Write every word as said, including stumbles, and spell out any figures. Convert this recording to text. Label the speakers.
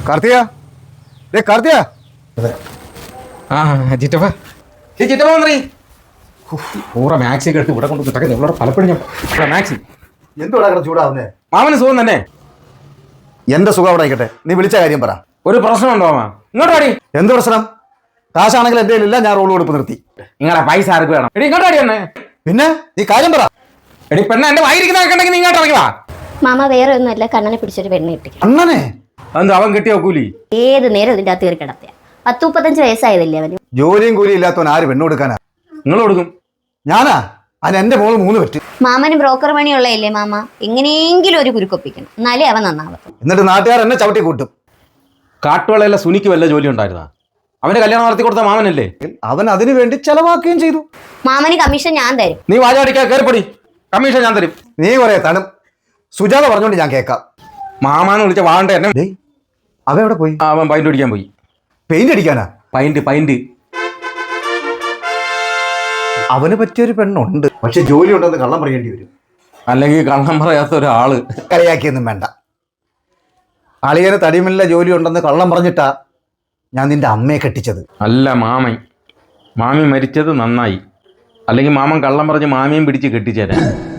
Speaker 1: കാർത്തിക ദേ കാർത്തിക
Speaker 2: ആ ചിറ്റപ്പ ചിറ്റപ്പ വന്നേ പൂറ മാക്സി ഒക്കെ എടുത്ത് ഇവിടെ കൊണ്ട് കിട്ടക്കെ ഇവിടെ പലപ്പോഴും ഞാൻ മാക്സി
Speaker 1: എന്തുവാ കിടന്ന് ചൂടാവുന്നേ?
Speaker 2: മാമന് സുഖം തന്നെ.
Speaker 1: എന്റെ സുഖം അവിടെ ആയിക്കട്ടെ, നീ വിളിച്ച കാര്യം പറ.
Speaker 2: ഒരു പ്രശ്നമുണ്ടോ മാമ? ഇങ്ങോട്ട് വാടി.
Speaker 1: എന്ത് പ്രശ്നം? കാശാണെങ്കിൽ എന്റെ ഇല്ല, ഞാൻ റോൾ കൊടുപ്പ് നിർത്തി.
Speaker 2: നിങ്ങളെ പൈസ ആർക്ക് വേണം? എടി ഇങ്ങോട്ട് വാടി തന്നെ.
Speaker 1: പിന്നെ നീ കാര്യം പറ.
Speaker 2: എടി പെണ്ണ എന്റെ വായിരിക്കുന്നതൊക്കെ ഉണ്ടെങ്കിൽ നീ ഇങ്ങോട്ട് ഇറങ്ങി വാ.
Speaker 3: മാമ വേറെ ഒന്നുമല്ല, കണ്ണനെ പിടിച്ചൊരു പെണ്ണ് കിട്ടി.
Speaker 1: അണ്ണനെ
Speaker 2: എന്ത് അവൻ കിട്ടിയോ കൂലി?
Speaker 3: ഏത് നേരം ഇതിന്റെ അകത്ത് കയറി കിടത്തിയ. പത്ത് മുപ്പത്തഞ്ച് വയസ്സായതല്ലേ അവന്.
Speaker 1: ജോലിയും കൂലിയും ഇല്ലാത്തവൻ ആര് പെണ്ണ് കൊടുക്കാനാ?
Speaker 2: നിങ്ങൾ കൊടുക്കും.
Speaker 1: ഞാനാ? അതിന് എന്റെ മോള് മൂന്ന് പറ്റും.
Speaker 3: മാമന് ബ്രോക്കർ പണിയുള്ളതല്ലേ മാമ, എങ്ങനെയെങ്കിലും ഒരു കുരുക്കൊപ്പിക്കണം, എന്നാലേ അവൻ നന്നാവും.
Speaker 1: എന്നിട്ട് നാട്ടുകാർ എന്നെ ചവിട്ടി കൂട്ടും.
Speaker 2: കാട്ടുവളയല്ല സുനിക്ക് വല്ല ജോലി ഉണ്ടായിരുന്നാ? അവന്റെ കല്യാണം നടത്തി കൊടുത്ത മാമനല്ലേ?
Speaker 1: അവൻ അതിനു വേണ്ടി ചെലവാക്കുകയും ചെയ്തു.
Speaker 3: മാമന് കമ്മീഷൻ ഞാൻ തരും.
Speaker 2: നീ വാചാടിക്കാ കയറിപ്പൊടി, കമ്മീഷൻ ഞാൻ തരും.
Speaker 1: നീ പറയാ തണും സുജാത പറഞ്ഞോണ്ട് ഞാൻ കേൾക്കാം.
Speaker 2: മാമാന്ന് വിളിച്ച വാണ്ട എന്നെ.
Speaker 1: ഡേയ്, അവൻ എവിടെ പോയി?
Speaker 2: അവൻ പൈൻ്റ് അടിക്കാൻ പോയി.
Speaker 1: പെയിന്റ് അടിക്കാനാ?
Speaker 2: പൈൻ്റ് പൈൻ്റ്
Speaker 1: അവന് പറ്റിയൊരു പെണ്ണുണ്ട്, പക്ഷെ ജോലി ഉണ്ടെന്ന് കള്ളം പറയേണ്ടി വരും.
Speaker 2: അല്ലെങ്കിൽ കള്ളം പറയാത്ത ഒരാള്.
Speaker 1: കളിയാക്കിയൊന്നും വേണ്ട. അളിയന് തടിമില്ല ജോലി ഉണ്ടെന്ന് കള്ളം പറഞ്ഞിട്ടാ ഞാൻ നിന്റെ അമ്മയെ കെട്ടിച്ചത്.
Speaker 2: അല്ല മാമൻ, മാമി മരിച്ചത് നന്നായി. അല്ലെങ്കിൽ മാമൻ കള്ളം പറഞ്ഞ് മാമിയും പിടിച്ച് കെട്ടിച്ചേരാൻ.